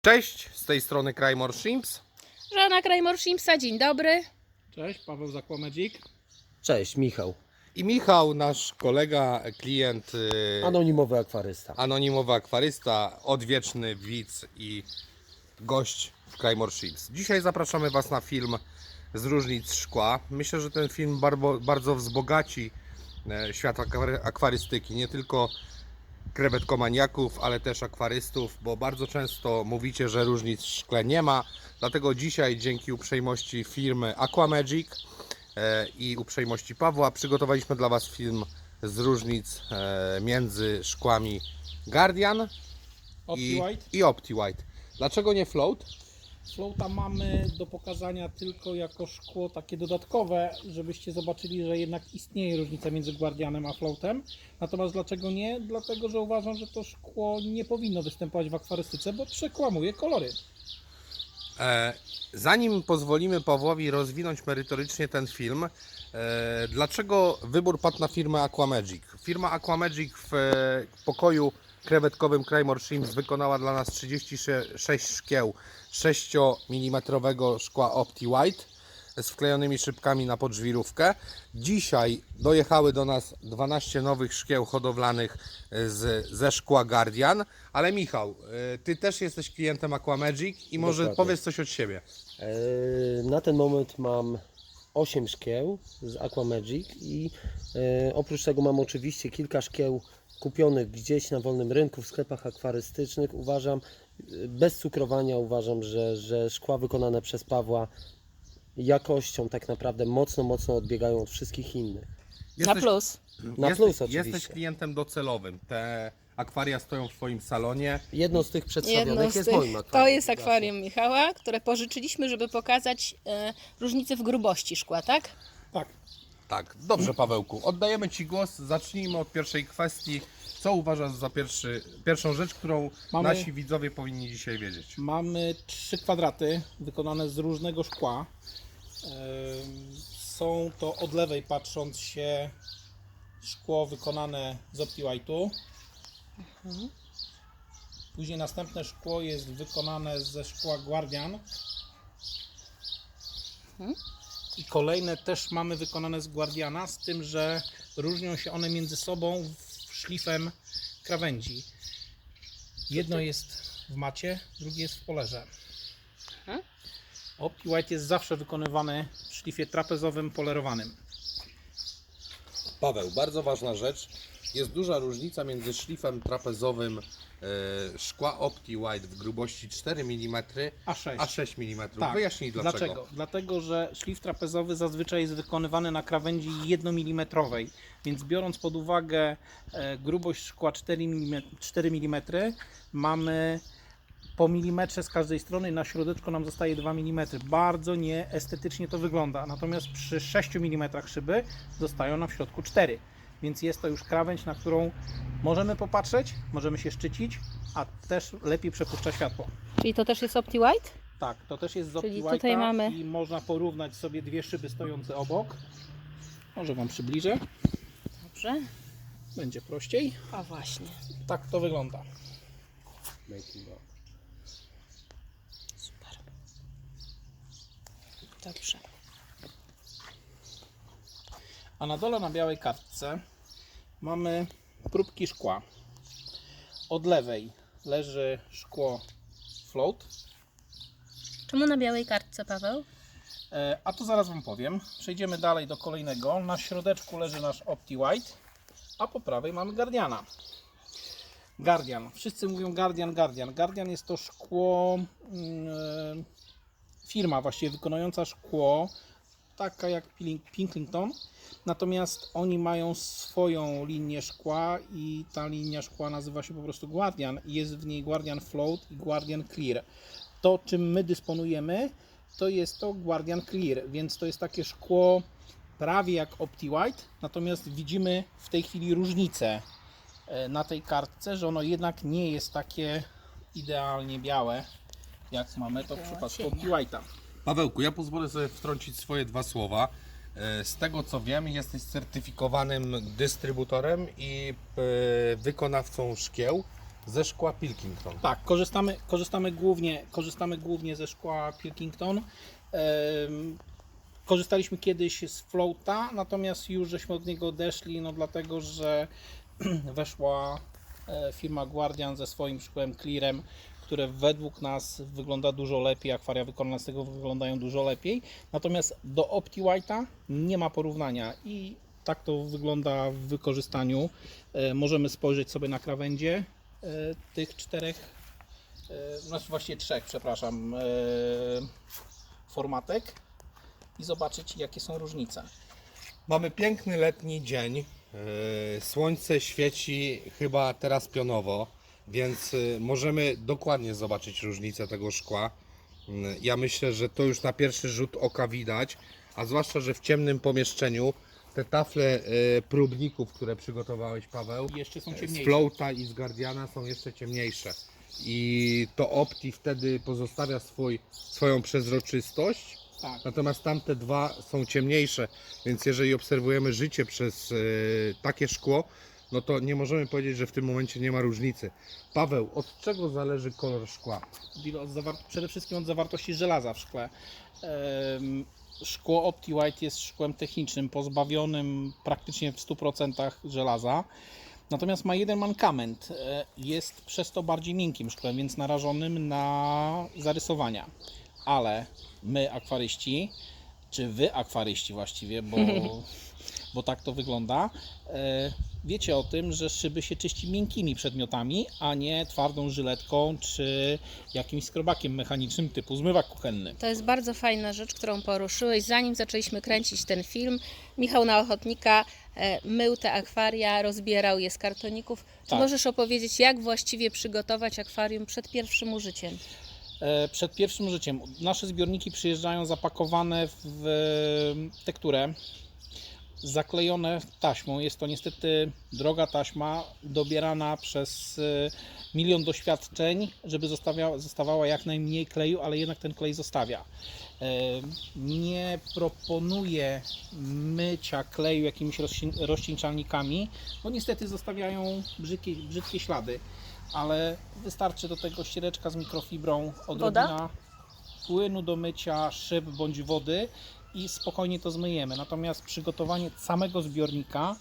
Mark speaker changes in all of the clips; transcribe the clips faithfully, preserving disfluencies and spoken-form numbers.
Speaker 1: Cześć, z tej strony Crymore Shrimps.
Speaker 2: Żona Crymore Shrimpsa, dzień dobry.
Speaker 3: Cześć, Paweł z Aquamagic.
Speaker 4: Cześć, Michał.
Speaker 1: I Michał, nasz kolega, klient, yy,
Speaker 4: Anonimowy akwarysta.
Speaker 1: anonimowy akwarysta, odwieczny widz i gość w Crymore Shrimps. Dzisiaj zapraszamy Was na film z różnic szkła. Myślę, że ten film bardzo, bardzo wzbogaci e, świat akwary- akwarystyki, nie tylko krewetkomaniaków, ale też akwarystów, bo bardzo często mówicie, że różnic w szkle nie ma. Dlatego dzisiaj dzięki uprzejmości firmy Aquamagic e, i uprzejmości Pawła przygotowaliśmy dla Was film z różnic e, między szkłami Guardian i,
Speaker 3: OptiWhite.
Speaker 1: i OptiWhite. Dlaczego nie Float?
Speaker 3: Floata mamy do pokazania tylko jako szkło takie dodatkowe, żebyście zobaczyli, że jednak istnieje różnica między Guardianem a Floatem. Natomiast dlaczego nie? Dlatego, że uważam, że to szkło nie powinno występować w akwarystyce, bo przekłamuje kolory.
Speaker 1: E, zanim pozwolimy Pawłowi rozwinąć merytorycznie ten film, e, dlaczego wybór padł na firmę Aquamagic? Firma Aquamagic w e, pokoju krewetkowym Crymore Shrimps wykonała dla nas trzydzieści sześć szkieł sześć milimetrów szkła OptiWhite z wklejonymi szybkami na podżwirówkę. Dzisiaj dojechały do nas dwanaście nowych szkieł hodowlanych z, ze szkła Guardian. Ale Michał, y, Ty też jesteś klientem Aquamagic i może
Speaker 4: Dokładnie.
Speaker 1: powiedz coś od siebie.
Speaker 4: E, Na ten moment mam osiem szkieł z Aquamagic i e, oprócz tego mam oczywiście kilka szkieł kupionych gdzieś na wolnym rynku w sklepach akwarystycznych. Uważam, e, bez cukrowania uważam, że, że szkła wykonane przez Pawła jakością tak naprawdę mocno, mocno odbiegają od wszystkich innych.
Speaker 2: Na plus.
Speaker 4: Na
Speaker 1: jesteś,
Speaker 4: plus oczywiście.
Speaker 1: Jesteś klientem docelowym. Te akwaria stoją w Twoim salonie.
Speaker 4: Jedno z tych przedstawionych
Speaker 2: Jedno z
Speaker 4: jest
Speaker 2: tych,
Speaker 4: moim akwarium.
Speaker 2: to jest akwarium Michała, które pożyczyliśmy, żeby pokazać e, różnicę w grubości szkła, tak?
Speaker 3: Tak.
Speaker 1: Tak, dobrze Pawełku, oddajemy Ci głos. Zacznijmy od pierwszej kwestii. Co uważasz za pierwszy, pierwszą rzecz, którą
Speaker 3: Mamy-
Speaker 1: nasi widzowie powinni dzisiaj wiedzieć?
Speaker 3: Mamy trzy kwadraty wykonane z różnego szkła. Ym, Są to od lewej patrząc się szkło wykonane z OptiWhite'u. Później następne szkło jest wykonane ze szkła Guardian. I kolejne też mamy wykonane z Guardiana, z tym, że różnią się one między sobą szlifem krawędzi. Jedno jest w macie, drugie jest w polerze. OptiWhite jest zawsze wykonywany w szlifie trapezowym polerowanym.
Speaker 1: Paweł, bardzo ważna rzecz. Jest duża różnica między szlifem trapezowym e, szkła OptiWhite w grubości cztery milimetry
Speaker 3: A sześć.
Speaker 1: a sześć milimetrów.
Speaker 3: Tak.
Speaker 1: Wyjaśnij dlaczego.
Speaker 3: Dlaczego? Dlatego, że szlif trapezowy zazwyczaj jest wykonywany na krawędzi jednomilimetrowej, więc biorąc pod uwagę e, grubość szkła cztery milimetry, mamy po milimetrze z każdej strony, na środeczku nam zostaje dwa milimetry. Bardzo nieestetycznie to wygląda. Natomiast przy sześciu milimetrach szyby zostają nam w środku cztery. Więc jest to już krawędź, na którą możemy popatrzeć, możemy się szczycić, a też lepiej przepuszcza światło.
Speaker 2: Czyli to też jest OptiWhite?
Speaker 3: Tak, to też jest z
Speaker 2: Czyli
Speaker 3: OptiWhite'a
Speaker 2: tutaj mamy-
Speaker 3: i można porównać sobie dwie szyby stojące obok. Może Wam przybliżę,
Speaker 2: Dobrze.
Speaker 3: będzie prościej.
Speaker 2: A właśnie.
Speaker 3: Tak to wygląda.
Speaker 2: Super. Dobrze.
Speaker 3: A na dole na białej kartce mamy próbki szkła. Od lewej leży szkło Float,
Speaker 2: Czemu na białej kartce, Paweł?
Speaker 3: e, a to zaraz Wam powiem. Przejdziemy dalej do kolejnego. Na środeczku leży nasz OptiWhite, a po prawej mamy Guardiana. Guardian. Wszyscy mówią Guardian, Guardian. Guardian jest to szkło, mm, firma właściwie wykonująca szkło, taka jak Pinklington. Natomiast oni mają swoją linię szkła i ta linia szkła nazywa się po prostu Guardian. Jest w niej Guardian Float i Guardian Clear. To, czym my dysponujemy, to jest to Guardian Clear, więc to jest takie szkło prawie jak OptiWhite, natomiast widzimy w tej chwili różnicę na tej kartce, że ono jednak nie jest takie idealnie białe, jak mamy to w przypadku OptiWhite'a.
Speaker 1: Pawełku, ja pozwolę sobie wtrącić swoje dwa słowa. E, Z tego co wiem, jesteś certyfikowanym dystrybutorem i e, wykonawcą szkieł ze szkła Pilkington.
Speaker 3: Tak, korzystamy, korzystamy, głównie, korzystamy głównie ze szkła Pilkington. Em, Korzystaliśmy kiedyś z floata, natomiast już żeśmy od niego odeszli, no dlatego, że weszła e, firma Guardian ze swoim szkłem Clearem, które według nas wygląda dużo lepiej, akwaria wykonane z tego wyglądają dużo lepiej. Natomiast do OptiWhite'a nie ma porównania i tak to wygląda w wykorzystaniu. E, Możemy spojrzeć sobie na krawędzie e, tych czterech, e, znaczy właściwie trzech, przepraszam, e, formatek i zobaczyć, jakie są różnice.
Speaker 1: Mamy piękny letni dzień. Yy, Słońce świeci chyba teraz pionowo, więc yy, możemy dokładnie zobaczyć różnicę tego szkła. Yy, Ja myślę, że to już na pierwszy rzut oka widać, a zwłaszcza, że w ciemnym pomieszczeniu te tafle yy, próbników, które przygotowałeś, Paweł,
Speaker 3: I jeszcze są
Speaker 1: z
Speaker 3: ciemniejsze.
Speaker 1: Floata i z Guardiana są jeszcze ciemniejsze. I to Opti wtedy pozostawia swój, swoją przezroczystość,
Speaker 3: Tak.
Speaker 1: natomiast tamte dwa są ciemniejsze, więc jeżeli obserwujemy życie przez e, takie szkło, no to nie możemy powiedzieć, że w tym momencie nie ma różnicy. Paweł, od czego zależy kolor szkła?
Speaker 3: Od zawar- przede wszystkim od zawartości żelaza w szkle. Em, Szkło OptiWhite jest szkłem technicznym, pozbawionym praktycznie w stu procentach żelaza. Natomiast ma jeden mankament. e, Jest przez to bardziej miękkim szkłem, więc narażonym na zarysowania. Ale my, akwaryści, czy wy, akwaryści właściwie, bo, bo tak to wygląda, e, wiecie o tym, że szyby się czyści miękkimi przedmiotami, a nie twardą żyletką czy jakimś skrobakiem mechanicznym typu zmywak kuchenny.
Speaker 2: To jest bardzo fajna rzecz, którą poruszyłeś. Zanim zaczęliśmy kręcić ten film, Michał na Ochotnika e, mył te akwaria, rozbierał je z kartoników. Czy
Speaker 3: Tak.
Speaker 2: możesz opowiedzieć, jak właściwie przygotować akwarium przed pierwszym użyciem?
Speaker 3: E, Przed pierwszym życiem nasze zbiorniki przyjeżdżają zapakowane w tekturę, zaklejone taśmą. Jest to niestety droga taśma, dobierana przez e, milion doświadczeń, żeby zostawia, zostawała jak najmniej kleju, ale jednak ten klej zostawia. E, Nie proponuję mycia kleju jakimiś rozcin- rozcieńczalnikami, bo niestety zostawiają brzydkie, brzydkie ślady. Ale wystarczy do tego ściereczka z mikrofibrą, odrobina płynu do mycia szyb bądź wody i spokojnie to zmyjemy. Natomiast przygotowanie samego zbiornika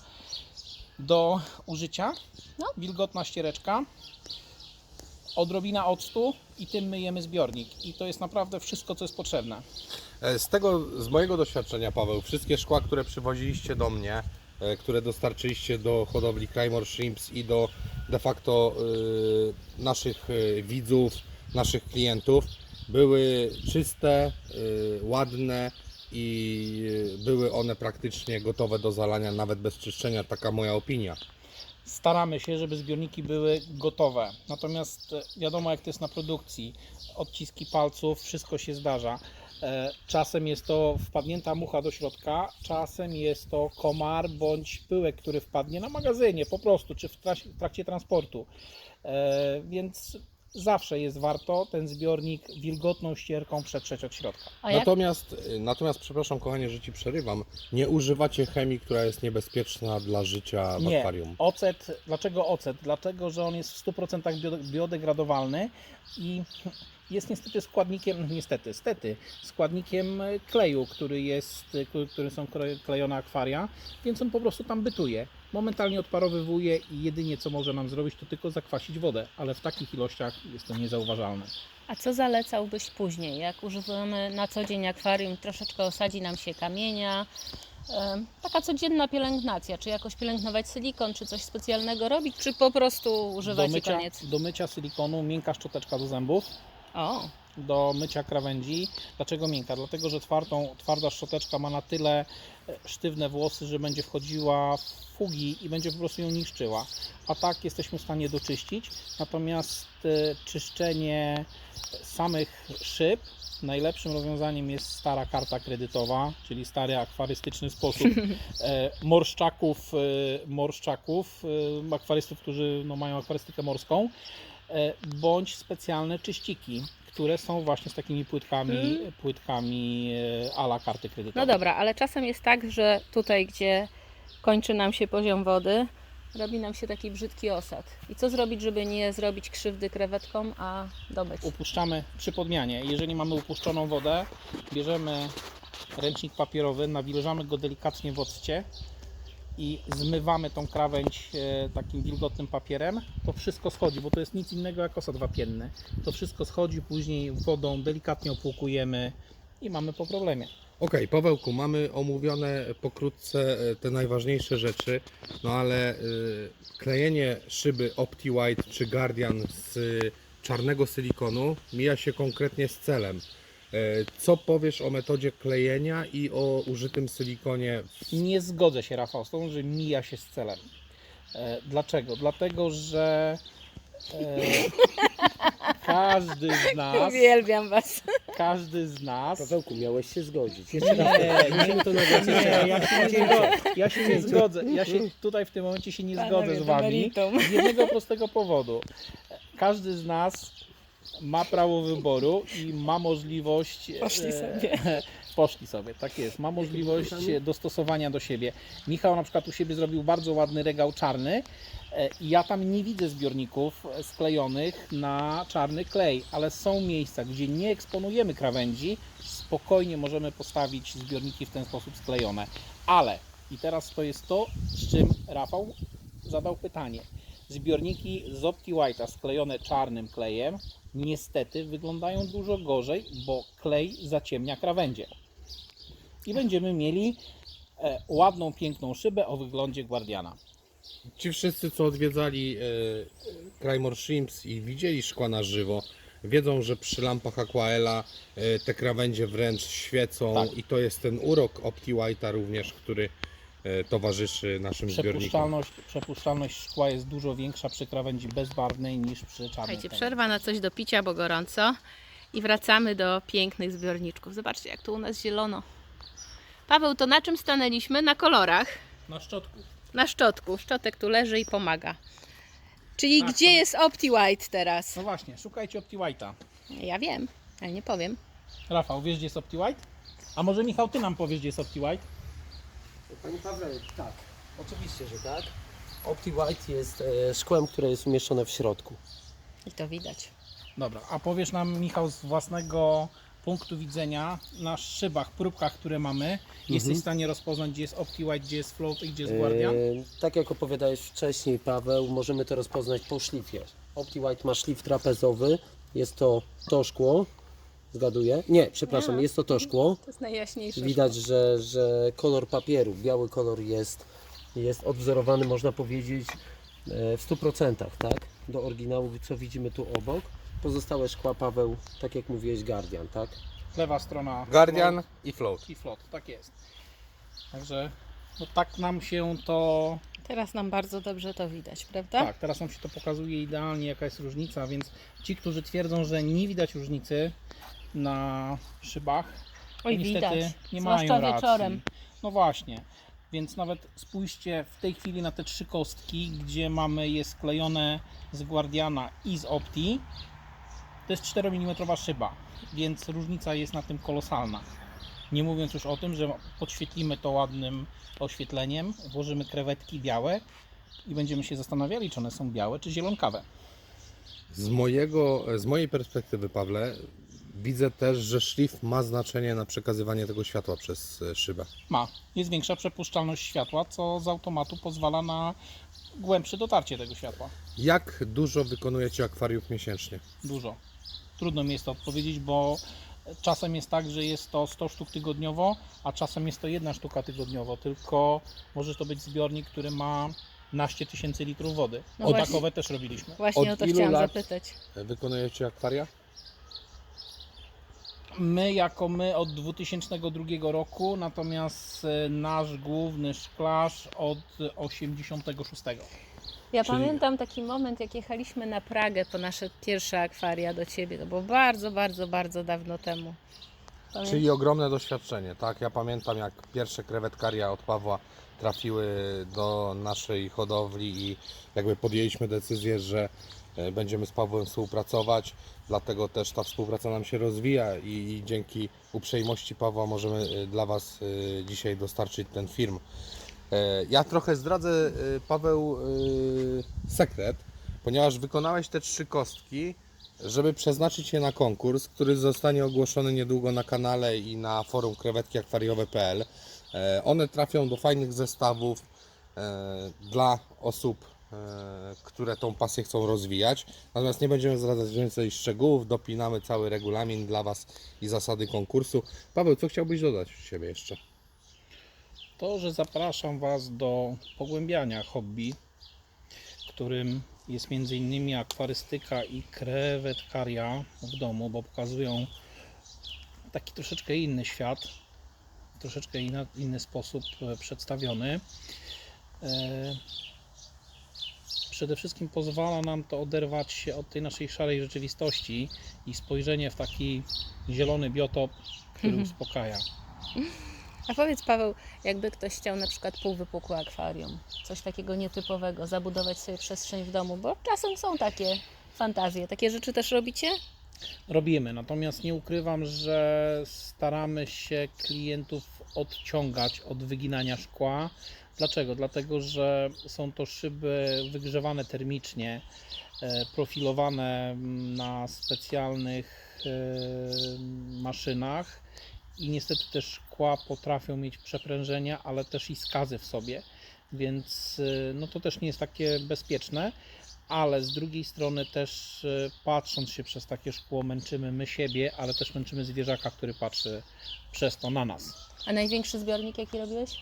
Speaker 3: do użycia,
Speaker 2: No.
Speaker 3: wilgotna ściereczka, odrobina octu i tym myjemy zbiornik. I to jest naprawdę wszystko, co jest potrzebne.
Speaker 1: E, Z tego, z mojego doświadczenia, Paweł, wszystkie szkła, które przywoziliście do mnie, e, które dostarczyliście do hodowli Claymore Shrimps i do de facto e, naszych e, widzów, naszych klientów, były czyste, e, ładne i e, były one praktycznie gotowe do zalania, nawet bez czyszczenia, taka moja opinia.
Speaker 3: Staramy się, żeby zbiorniki były gotowe. Natomiast e, wiadomo, jak to jest na produkcji. Odciski palców, wszystko się zdarza. E, Czasem jest to wpadnięta mucha do środka, czasem jest to komar bądź pyłek, który wpadnie na magazynie po prostu, czy w trak- w trakcie transportu. E, Więc zawsze jest warto ten zbiornik wilgotną ścierką przetrzeć od środka.
Speaker 2: A jak?
Speaker 1: Natomiast, natomiast, przepraszam kochanie, że Ci przerywam, nie używacie chemii, która jest niebezpieczna dla życia w
Speaker 3: Nie,
Speaker 1: akwarium.
Speaker 3: ocet, dlaczego ocet? Dlatego, że on jest w stu procentach bio- biodegradowalny i jest niestety składnikiem, niestety, stety, składnikiem kleju, który jest, który są klejone akwaria, więc on po prostu tam bytuje. Momentalnie odparowywuje i jedynie co może nam zrobić, to tylko zakwasić wodę, ale w takich ilościach jest to niezauważalne.
Speaker 2: A co zalecałbyś później? Jak używamy na co dzień akwarium, troszeczkę osadzi nam się kamienia, em, taka codzienna pielęgnacja, czy jakoś pielęgnować silikon, czy coś specjalnego robić, czy po prostu
Speaker 3: Do
Speaker 2: używać i
Speaker 3: mycia,
Speaker 2: koniec?
Speaker 3: do mycia silikonu miękka szczoteczka do zębów.
Speaker 2: O,
Speaker 3: Do mycia krawędzi. Dlaczego miękka? Dlatego, że twardą, twarda szczoteczka ma na tyle e, sztywne włosy, że będzie wchodziła w fugi i będzie po prostu ją niszczyła. A tak jesteśmy w stanie doczyścić. Natomiast e, czyszczenie samych szyb najlepszym rozwiązaniem jest stara karta kredytowa, czyli stary akwarystyczny sposób e, morszczaków, e, morszczaków e, akwarystów, którzy no, mają akwarystykę morską, e, bądź specjalne czyściki, które są właśnie z takimi płytkami,
Speaker 2: Mm.
Speaker 3: płytkami e, a la karty kredytowej.
Speaker 2: no dobra, ale czasem jest tak, że tutaj, gdzie kończy nam się poziom wody, robi nam się taki brzydki osad. I co zrobić, żeby nie zrobić krzywdy krewetkom, a dobyć?
Speaker 3: Upuszczamy przy podmianie. Jeżeli mamy upuszczoną wodę, bierzemy ręcznik papierowy, nawilżamy go delikatnie w occie i zmywamy tą krawędź e, takim wilgotnym papierem. To wszystko schodzi, bo to jest nic innego jak osad wapienny. To wszystko schodzi, później wodą delikatnie opłukujemy i mamy po problemie.
Speaker 1: Okej, Pawełku, mamy omówione pokrótce e, te najważniejsze rzeczy, no ale y, klejenie szyby OptiWhite czy Guardian z y, czarnego silikonu mija się konkretnie z celem. E, co powiesz o metodzie klejenia i o użytym silikonie?
Speaker 3: Nie zgodzę się, Rafał, z tą, że mija się z celem. E, dlaczego? Dlatego, że e, każdy z nas,
Speaker 2: Uwielbiam Was.
Speaker 3: każdy z nas
Speaker 4: Pawełku, miałeś się zgodzić. Jeszcze raz.
Speaker 3: Nie,
Speaker 4: Musimy to nagrać
Speaker 3: Nie,
Speaker 4: jeszcze raz.
Speaker 3: ja się nie zgodzę. Ja się nie zgodzę. Ja się tutaj w tym momencie się nie zgodzę z Wami z jednego prostego powodu. Każdy z nas ma prawo wyboru i ma możliwość.
Speaker 2: Poszli
Speaker 3: e,
Speaker 2: sobie.
Speaker 3: Poszli sobie, tak jest. Ma możliwość e, dostosowania do siebie. Michał na przykład u siebie zrobił bardzo ładny regał czarny. e, I ja tam nie widzę zbiorników sklejonych na czarny klej, ale są miejsca, gdzie nie eksponujemy krawędzi. Spokojnie możemy postawić zbiorniki w ten sposób sklejone. Ale, i teraz to jest to, z czym Rafał zadał pytanie. Zbiorniki z OptiWhite'a sklejone czarnym klejem niestety wyglądają dużo gorzej, bo klej zaciemnia krawędzie. I będziemy mieli e, ładną, piękną szybę o wyglądzie Guardiana.
Speaker 1: Ci wszyscy, co odwiedzali e, Claymore Shrimps i widzieli szkła na żywo, wiedzą, że przy lampach Aquaela e, te krawędzie wręcz świecą
Speaker 3: Tak.
Speaker 1: i to jest ten urok OptiWhite'a również, który e, towarzyszy naszym zbiornikom.
Speaker 3: Przepuszczalność, przepuszczalność szkła jest dużo większa przy krawędzi bezbarwnej niż przy czarnej.
Speaker 2: Słuchajcie,
Speaker 3: kleju.
Speaker 2: przerwa na coś do picia, bo gorąco. I wracamy do pięknych zbiorniczków. Zobaczcie, jak tu u nas zielono. Paweł, to na czym stanęliśmy? Na kolorach.
Speaker 3: Na szczotku.
Speaker 2: Na szczotku. Szczotek tu leży i pomaga. Czyli
Speaker 3: Tak,
Speaker 2: gdzie
Speaker 3: to-
Speaker 2: jest OptiWhite teraz?
Speaker 3: No właśnie, szukajcie OptiWhite'a.
Speaker 2: Ja wiem, ale nie powiem.
Speaker 3: Rafał, wiesz gdzie jest OptiWhite? A może Michał, ty nam powiesz gdzie jest OptiWhite?
Speaker 4: Panie Pawle, tak. Oczywiście, że tak. OptiWhite jest e, szkłem, które jest umieszczone w środku.
Speaker 2: I to widać.
Speaker 3: Dobra, a powiesz nam, Michał, z własnego punktu widzenia na szybach, próbkach, które mamy, jesteś w stanie rozpoznać, gdzie jest OptiWhite, gdzie jest Float i gdzie jest Guardian?
Speaker 4: E, tak jak opowiadałeś wcześniej, Paweł, możemy to rozpoznać po szlifie. OptiWhite ma szlif trapezowy, jest to to szkło, zgaduję? Nie, przepraszam,
Speaker 2: Nie.
Speaker 4: jest to to szkło.
Speaker 2: To jest najjaśniejsze.
Speaker 4: Widać, że, że kolor papieru, biały kolor jest, jest odwzorowany, można powiedzieć, e, w stu procentach, tak? Do oryginału, co widzimy tu obok. Pozostałe szkła, Paweł, tak jak mówiłeś, Guardian, tak?
Speaker 3: Lewa strona
Speaker 1: Guardian
Speaker 3: Float
Speaker 1: i Float.
Speaker 3: i Float, tak jest. Także no tak nam się to,
Speaker 2: Teraz nam bardzo dobrze to widać, prawda?
Speaker 3: tak, teraz nam się to pokazuje idealnie, jaka jest różnica, więc ci, którzy twierdzą, że nie widać różnicy na szybach,
Speaker 2: Oj,
Speaker 3: niestety
Speaker 2: widać.
Speaker 3: nie
Speaker 2: Zwłaszcza
Speaker 3: mają racji.
Speaker 2: wieczorem.
Speaker 3: No właśnie, więc nawet spójrzcie w tej chwili na te trzy kostki, gdzie mamy je sklejone z Guardiana i z Opti. To jest czteromilimetrowa szyba, więc różnica jest na tym kolosalna. Nie mówiąc już o tym, że podświetlimy to ładnym oświetleniem, włożymy krewetki białe i będziemy się zastanawiali, czy one są białe, czy zielonkawe.
Speaker 1: Z, mojego, z mojej perspektywy, Pawle, widzę też, że szlif ma znaczenie na przekazywanie tego światła przez e, szybę.
Speaker 3: Ma. Jest większa przepuszczalność światła, co z automatu pozwala na głębsze dotarcie tego światła.
Speaker 1: Jak dużo wykonujecie akwariów miesięcznie?
Speaker 3: Dużo. Trudno mi jest to odpowiedzieć, bo czasem jest tak, że jest to sto sztuk tygodniowo, a czasem jest to jedna sztuka tygodniowo, tylko może to być zbiornik, który ma naście tysięcy litrów wody.
Speaker 2: No
Speaker 3: O,
Speaker 2: właśnie.
Speaker 3: takowe też robiliśmy.
Speaker 2: Właśnie
Speaker 1: Od
Speaker 2: o to
Speaker 1: ilu
Speaker 2: chciałam
Speaker 1: lat?
Speaker 2: zapytać.
Speaker 1: Wykonujecie akwaria?
Speaker 3: My jako my od dwutysięcznego drugiego roku, natomiast e, nasz główny szklarz od osiemdziesiątego szóstego.
Speaker 2: Ja
Speaker 1: Czyli-
Speaker 2: pamiętam taki moment, jak jechaliśmy na Pragę po nasze pierwsze akwaria do Ciebie. To było bardzo, bardzo, bardzo dawno temu. Pamię-
Speaker 1: Czyli ogromne doświadczenie, tak? Ja pamiętam, jak pierwsze krewetkaria od Pawła trafiły do naszej hodowli i jakby podjęliśmy decyzję, że e, będziemy z Pawłem współpracować, dlatego też ta współpraca nam się rozwija i, i dzięki uprzejmości Pawła możemy e, dla Was e, dzisiaj dostarczyć ten film. E, Ja trochę zdradzę, e, Paweł, e, sekret, ponieważ wykonałeś te trzy kostki, żeby przeznaczyć je na konkurs, który zostanie ogłoszony niedługo na kanale i na forum krewetki akwariowe kropka p l. E, One trafią do fajnych zestawów e, dla osób, e, które tą pasję chcą rozwijać. Natomiast nie będziemy zdradzać więcej szczegółów, dopinamy cały regulamin dla Was i zasady konkursu. Paweł, co chciałbyś dodać od siebie jeszcze?
Speaker 3: To, że zapraszam Was do pogłębiania hobby, którym jest między innymi akwarystyka i krewetkaria w domu, bo pokazują taki troszeczkę inny świat, troszeczkę inna, inny sposób e, przedstawiony. E, Przede wszystkim pozwala nam to oderwać się od tej naszej szarej rzeczywistości i spojrzenie w taki zielony biotop, który uspokaja.
Speaker 2: A powiedz, Paweł, jakby ktoś chciał na przykład półwypukłe akwarium, coś takiego nietypowego, zabudować sobie przestrzeń w domu, bo czasem są takie fantazje. Takie rzeczy też robicie?
Speaker 3: Robimy, natomiast nie ukrywam, że staramy się klientów odciągać od wyginania szkła. Dlaczego? Dlatego, że są to szyby wygrzewane termicznie, e, profilowane na specjalnych e, maszynach i niestety te szkła potrafią mieć przeprężenia, ale też i skazy w sobie, więc e, no to też nie jest takie bezpieczne. Ale z drugiej strony też e, patrząc się przez takie szkło męczymy my siebie, ale też męczymy zwierzaka, który patrzy przez to na nas.
Speaker 2: A największy zbiornik jaki robiłeś?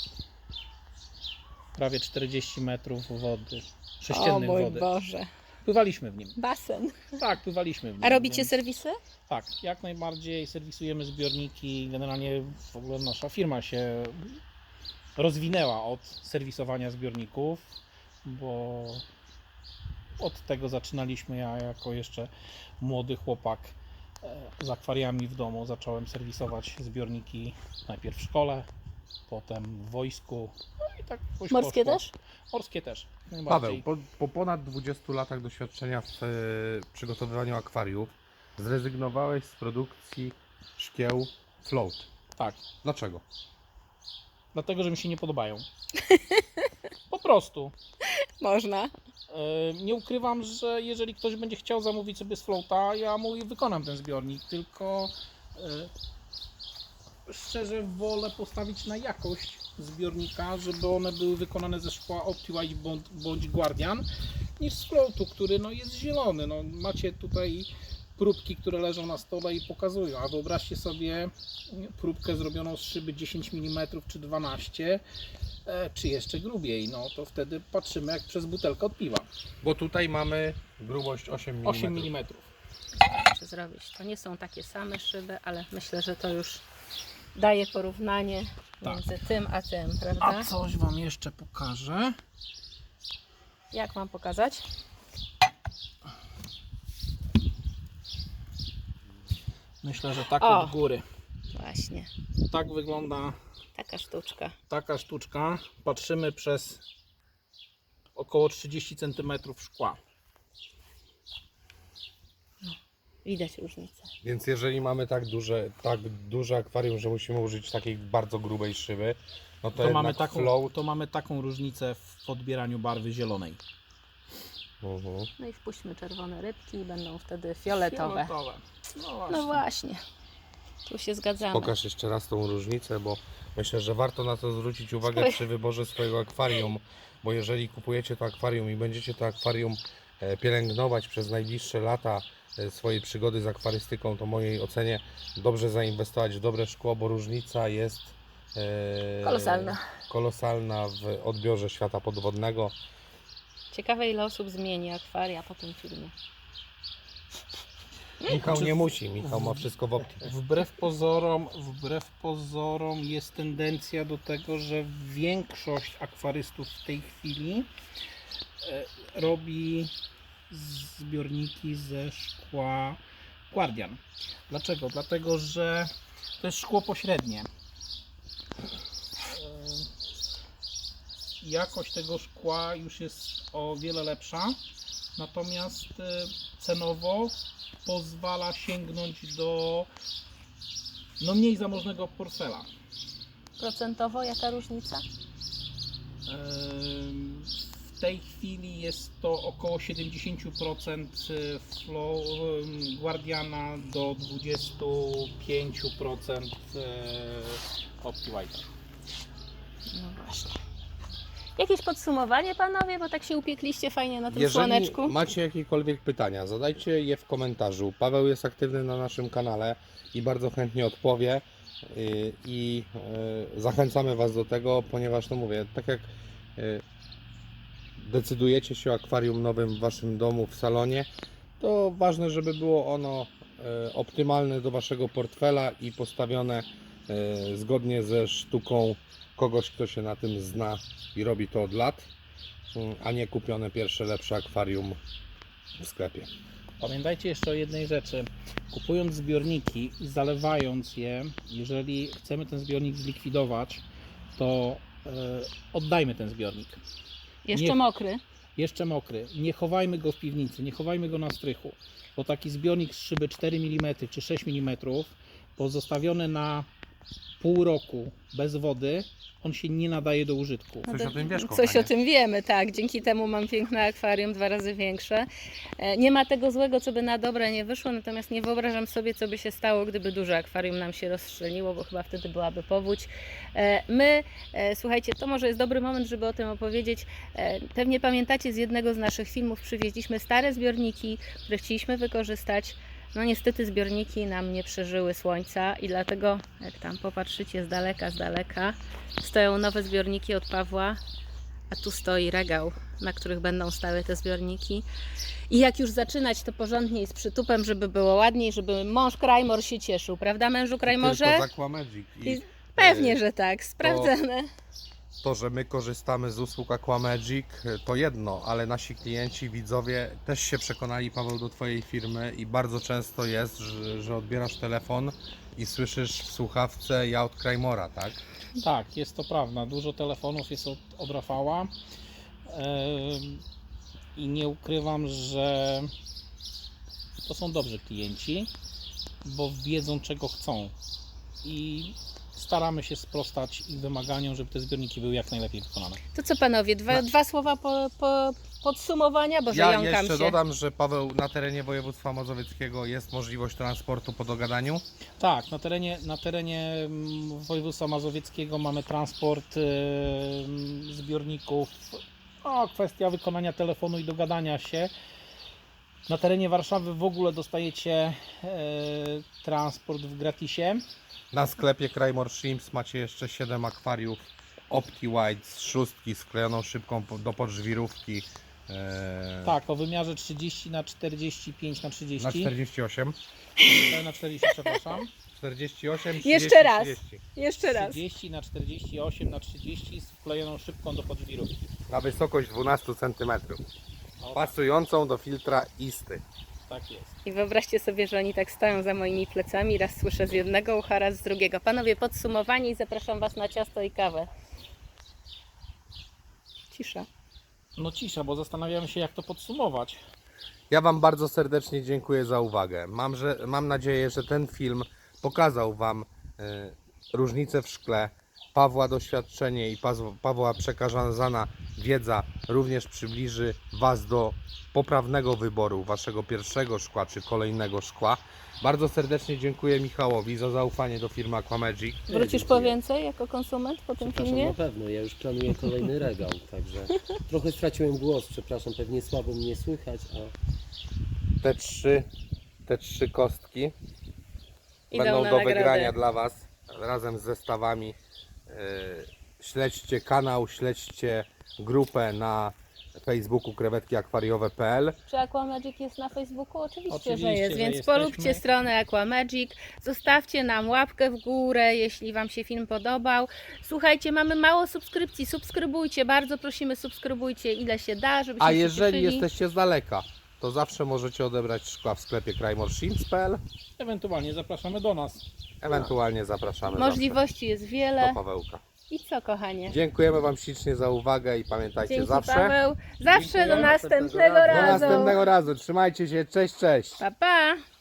Speaker 3: Prawie czterdzieści metrów wody,
Speaker 2: O
Speaker 3: sześciennych
Speaker 2: mój
Speaker 3: wody.
Speaker 2: Boże.
Speaker 3: Pływaliśmy w nim.
Speaker 2: Basen.
Speaker 3: Tak, pływaliśmy w nim.
Speaker 2: A robicie
Speaker 3: więc-
Speaker 2: serwisy?
Speaker 3: Tak, jak najbardziej serwisujemy zbiorniki. Generalnie w ogóle nasza firma się rozwinęła od serwisowania zbiorników, bo od tego zaczynaliśmy. Ja jako jeszcze młody chłopak e, z akwariami w domu zacząłem serwisować zbiorniki najpierw w szkole, potem w wojsku. No i tak jakoś
Speaker 2: Morskie
Speaker 3: poszło.
Speaker 2: też?
Speaker 3: Morskie też. jak
Speaker 1: Paweł,
Speaker 3: najbardziej.
Speaker 1: po, po ponad dwudziestu latach doświadczenia w e, przygotowywaniu akwariów zrezygnowałeś z produkcji szkieł float.
Speaker 3: Tak.
Speaker 1: Dlaczego?
Speaker 3: Dlatego, że mi się nie podobają. Po prostu.
Speaker 2: Można.
Speaker 3: E, Nie ukrywam, że jeżeli ktoś będzie chciał zamówić sobie z floata, ja mu wykonam ten zbiornik, tylko e, szczerze wolę postawić na jakość zbiornika, żeby one były wykonane ze szkła OptiWhite bądź, bądź Guardian, niż z floatu, który no, jest zielony. No, macie tutaj próbki, które leżą na stole i pokazują, a wyobraźcie sobie próbkę zrobioną z szyby dziesięć milimetrów czy dwanaście, e, czy jeszcze grubiej, no to wtedy patrzymy jak przez butelkę od piwa.
Speaker 1: Bo tutaj mamy grubość osiem milimetrów.
Speaker 3: osiem milimetrów.
Speaker 2: Czy zrobić? To nie są takie same szyby, ale myślę, że to już daje porównanie
Speaker 3: Tak.
Speaker 2: między tym a tym,
Speaker 3: A
Speaker 2: prawda?
Speaker 3: coś Wam jeszcze pokażę.
Speaker 2: Jak mam pokazać?
Speaker 3: Myślę, że tak
Speaker 2: O.
Speaker 3: od góry.
Speaker 2: Właśnie,
Speaker 3: Tak wygląda
Speaker 2: taka sztuczka.
Speaker 3: taka sztuczka. Patrzymy przez około trzydzieści centymetrów szkła.
Speaker 2: Widać różnicę.
Speaker 1: Więc jeżeli mamy tak duże, tak duże akwarium, że musimy użyć takiej bardzo grubej szyby, no to,
Speaker 3: To
Speaker 1: jednak
Speaker 3: mamy, taką,
Speaker 1: float.
Speaker 3: to mamy taką różnicę w podbieraniu barwy zielonej.
Speaker 1: Mhm.
Speaker 2: No i wpuśćmy czerwone rybki i będą wtedy fioletowe.
Speaker 3: Fioletowe. No właśnie.
Speaker 2: No właśnie, tu się zgadzamy.
Speaker 1: Pokaż jeszcze raz tą różnicę, bo myślę, że warto na to zwrócić uwagę
Speaker 2: Oj.
Speaker 1: przy wyborze swojego akwarium, bo jeżeli kupujecie to akwarium i będziecie to akwarium e, pielęgnować przez najbliższe lata e, swojej przygody z akwarystyką, to w mojej ocenie dobrze zainwestować w dobre szkło, bo różnica jest e,
Speaker 2: Kolosalna.
Speaker 1: kolosalna w odbiorze świata podwodnego.
Speaker 2: Ciekawe, ile osób zmieni akwaria po tym filmie.
Speaker 1: Michał nie musi, Michał ma wszystko w opcji.
Speaker 3: Wbrew pozorom, wbrew pozorom jest tendencja do tego, że większość akwarystów w tej chwili e, robi zbiorniki ze szkła Guardian. Dlaczego? Dlatego, że to jest szkło pośrednie. E, Jakość tego szkła już jest o wiele lepsza, natomiast e, cenowo pozwala sięgnąć do no mniej zamożnego portfela.
Speaker 2: Procentowo jaka różnica?
Speaker 3: Ym, W tej chwili jest to około siedemdziesiąt procent flow ym, Guardiana do dwadzieścia pięć procent OptiWhite.
Speaker 2: No właśnie. Jakieś podsumowanie, panowie, bo tak się upiekliście fajnie na tym
Speaker 1: Jeżeli
Speaker 2: słoneczku.
Speaker 1: macie jakiekolwiek pytania, zadajcie je w komentarzu. Paweł jest aktywny na naszym kanale i bardzo chętnie odpowie. Yy, I yy, zachęcamy Was do tego, ponieważ no mówię, tak jak yy, decydujecie się o akwarium nowym w Waszym domu, w salonie, to ważne, żeby było ono yy, optymalne do Waszego portfela i postawione yy, zgodnie ze sztuką kogoś, kto się na tym zna i robi to od lat, yy, a nie kupione pierwsze lepsze akwarium w sklepie.
Speaker 3: Pamiętajcie jeszcze o jednej rzeczy. Kupując zbiorniki i zalewając je, jeżeli chcemy ten zbiornik zlikwidować, to e, oddajmy ten zbiornik.
Speaker 2: Jeszcze
Speaker 3: nie-
Speaker 2: mokry.
Speaker 3: Jeszcze mokry. Nie chowajmy go w piwnicy, nie chowajmy go na strychu, bo taki zbiornik z szyby cztery milimetry czy sześć milimetrów pozostawiony na pół roku bez wody, on się nie nadaje do użytku.
Speaker 1: Coś o tym wiesz,
Speaker 2: Coś
Speaker 1: kochanie?
Speaker 2: o tym wiemy, tak. Dzięki temu mam piękne akwarium, dwa razy większe. E, Nie ma tego złego, co by na dobre nie wyszło, natomiast nie wyobrażam sobie, co by się stało, gdyby duże akwarium nam się rozstrzeliło, bo chyba wtedy byłaby powódź. E, My, e, słuchajcie, to może jest dobry moment, żeby o tym opowiedzieć. E, Pewnie pamiętacie, z jednego z naszych filmów przywieźliśmy stare zbiorniki, które chcieliśmy wykorzystać. No niestety zbiorniki nam nie przeżyły słońca i dlatego, jak tam popatrzycie z daleka, z daleka, stoją nowe zbiorniki od Pawła, a tu stoi regał, na których będą stały te zbiorniki. I jak już zaczynać, to porządnie i z przytupem, żeby było ładniej, żeby mąż Krajmor się cieszył, prawda, mężu Krajmorze?
Speaker 1: Tylko z Aquamagic. I
Speaker 2: I Pewnie,
Speaker 1: e,
Speaker 2: że tak, sprawdzone.
Speaker 1: To, że my korzystamy z usług Aquamagic, to jedno, ale nasi klienci, widzowie też się przekonali, Paweł, do Twojej firmy i bardzo często jest, że, że odbierasz telefon i słyszysz w słuchawce ja od Krajmora, tak?
Speaker 3: Tak, jest to prawda. Dużo telefonów jest od, od Rafała. Ym, I nie ukrywam, że to są dobrzy klienci, bo wiedzą, czego chcą. I staramy się sprostać ich wymaganiom, żeby te zbiorniki były jak najlepiej wykonane.
Speaker 2: To co panowie, dwa, dwa słowa po, po podsumowania, bo
Speaker 1: Ja
Speaker 2: jąkam
Speaker 1: jeszcze
Speaker 2: się.
Speaker 1: dodam, że Paweł, na terenie województwa mazowieckiego jest możliwość transportu po dogadaniu.
Speaker 3: Tak, na terenie, na terenie mm, województwa mazowieckiego mamy transport ym, zbiorników. O, kwestia wykonania telefonu i dogadania się. Na terenie Warszawy w ogóle dostajecie e, transport w gratisie.
Speaker 1: Na sklepie Krajmor Shrimps macie jeszcze siedem akwariów OptiWhite z szóstki sklejoną szybką po- do podżwirówki e,
Speaker 3: Tak, o wymiarze trzydzieści na czterdzieści pięć na
Speaker 1: na
Speaker 3: trzydzieści.
Speaker 1: czterdzieści osiem.
Speaker 3: E, na czterdzieści, przepraszam.
Speaker 1: czterdzieści osiem, trzydzieści,
Speaker 2: Jeszcze raz.
Speaker 1: trzydzieści.
Speaker 2: Jeszcze raz.
Speaker 3: trzydzieści na czterdzieści osiem na trzydzieści z wklejoną szybką do podżwirówki.
Speaker 1: Na wysokość dwanaście centymetrów.
Speaker 3: O,
Speaker 1: Pasującą do filtra isty.
Speaker 3: tak jest.
Speaker 2: I wyobraźcie sobie, że oni tak stoją za moimi plecami, raz słyszę z jednego ucha, raz z drugiego. Panowie, podsumowanie i zapraszam Was na ciasto i kawę. Cisza.
Speaker 3: No cisza, bo zastanawiamy się, jak to podsumować.
Speaker 1: Ja Wam bardzo serdecznie dziękuję za uwagę. Mam, że, mam nadzieję, że ten film pokazał Wam e, różnice w szkle. Pawła doświadczenie i Paz- Pawła przekazana wiedza również przybliży Was do poprawnego wyboru Waszego pierwszego szkła czy kolejnego szkła. Bardzo serdecznie dziękuję Michałowi za zaufanie do firmy Aquamagic.
Speaker 2: Wrócisz po więcej jako konsument po tym
Speaker 4: Przepraszam,
Speaker 2: filmie?
Speaker 4: na pewno, ja już planuję kolejny regał, także trochę straciłem głos, przepraszam, pewnie słabo mnie słychać, a
Speaker 1: Te trzy, te trzy kostki
Speaker 2: Idą
Speaker 1: będą
Speaker 2: na
Speaker 1: do
Speaker 2: nagrodę.
Speaker 1: wygrania dla Was razem z zestawami. Yy, Śledźcie kanał, śledźcie grupę na Facebooku krewetki akwariowe kropka p l.
Speaker 2: Czy Aquamagic jest na Facebooku? Oczywiście,
Speaker 3: Oczywiście,
Speaker 2: że jest,
Speaker 3: że
Speaker 2: więc
Speaker 3: jesteśmy.
Speaker 2: polubcie stronę Aquamagic, zostawcie nam łapkę w górę, jeśli Wam się film podobał. Słuchajcie, mamy mało subskrypcji, subskrybujcie, bardzo prosimy, subskrybujcie ile się da, żebyśmy
Speaker 1: A
Speaker 2: się
Speaker 1: jeżeli
Speaker 2: cieszyli.
Speaker 1: jesteście z daleka, to zawsze możecie odebrać szkła w sklepie krajmor shrimps kropka p l.
Speaker 3: Ewentualnie zapraszamy do nas.
Speaker 1: Ewentualnie zapraszamy
Speaker 2: Możliwości jest
Speaker 1: zawsze
Speaker 2: wiele.
Speaker 1: do Pawełka.
Speaker 2: I co, kochanie?
Speaker 1: Dziękujemy Wam ślicznie za uwagę i pamiętajcie
Speaker 2: Dzięki,
Speaker 1: zawsze
Speaker 2: Paweł. Zawsze
Speaker 3: Dziękuję.
Speaker 2: do następnego
Speaker 1: do
Speaker 2: razu.
Speaker 1: następnego razu. Trzymajcie się, cześć, cześć.
Speaker 2: Pa, pa.